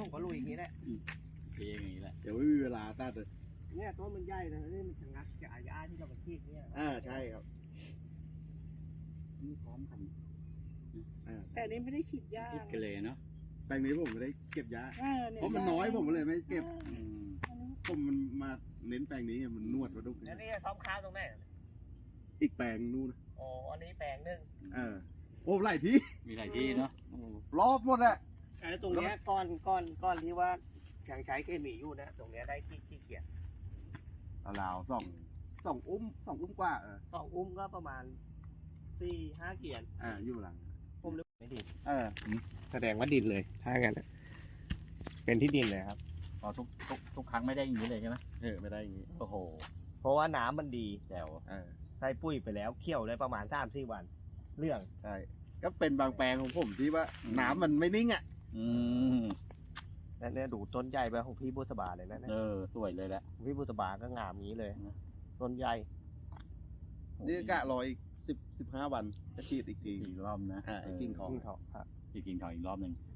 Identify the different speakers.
Speaker 1: ก็ลุยอย่างนี้แหละ
Speaker 2: เองอย่างนี้แหละ
Speaker 3: เดี๋ยวไม่มีเวลาตัดเลย
Speaker 1: เนี่ยต้นมันใหญ่นะนี่มันชะงักจากอาญาที่เราไปที่เนี่ย
Speaker 3: ใช่ครับ
Speaker 2: นี่พร้อมกัน
Speaker 4: แต่อันนี้ไม่ได้ฉีดยา
Speaker 2: คิดกันเลยเนาะ
Speaker 3: แปลงนี้ผมไม่ได้เก็บยา
Speaker 4: เย
Speaker 3: เพราะมันน้อยผมเลยไม่เก็บ
Speaker 2: อืม
Speaker 3: ผมมันมาเน้นแปลงนี้ไงมันนวดมาดุก
Speaker 1: แล้วนี่ซ้อมข้าวตรงไหน
Speaker 3: อีกแปลงนู่นนะ
Speaker 1: อ๋ออันนี้แปลงหนึ่ง
Speaker 3: โอ้หลายที่
Speaker 2: มีหลายที่เนาะ
Speaker 3: รอบหมดอะ
Speaker 1: ไอ้ตรงเนี้ยก้อนที่ว่ายังใช้เคมีอยู่นะตรงเนี้ยได้ขี้เกียจ
Speaker 3: ราวๆสองอุ้มกว่า
Speaker 1: สองอุ้มก็ประมาณ4-5 เกียร์
Speaker 3: อยู่หลัง
Speaker 1: ผมนึกไม่ดี
Speaker 3: เ
Speaker 1: แสดงว่าดินเลยถ้างั้นอะเป็นที่ดินเลยครับ
Speaker 2: พอทุกครั้งไม่ได้อย่างนี้เลยใช่ไหม
Speaker 3: ไม่ได้อย่างนี้
Speaker 2: โอ้โห
Speaker 1: เพราะว่าน้ำมันดี
Speaker 2: แจ๋ว
Speaker 1: ใส่ปุ๋ยไปแล้วเคี่ยวได้ประมาณ3-4 วันเรื่อง
Speaker 3: ใช่ก็เป็นบางแปลงของผมที่ว่าน้ำมันไม่นิ่งอ่ะ
Speaker 2: อืม
Speaker 1: นั่นเนี่ยดูต้นใหญ่ไปของพี่บุษบาเลยนะเนี่ย
Speaker 2: สวยเลยแหละ
Speaker 1: ของพี่บุษบาก็งามงี้เลย
Speaker 2: นะ
Speaker 1: ต้นใหญ่
Speaker 3: นี่กะรออีก15 วันจะฉีดอีกที
Speaker 2: อีกรอบนะ
Speaker 3: ไอ้กิ่งทอง
Speaker 1: ขึ้นเขาครับ
Speaker 2: อีกกิ่งทองอีกรอบหนึ่ง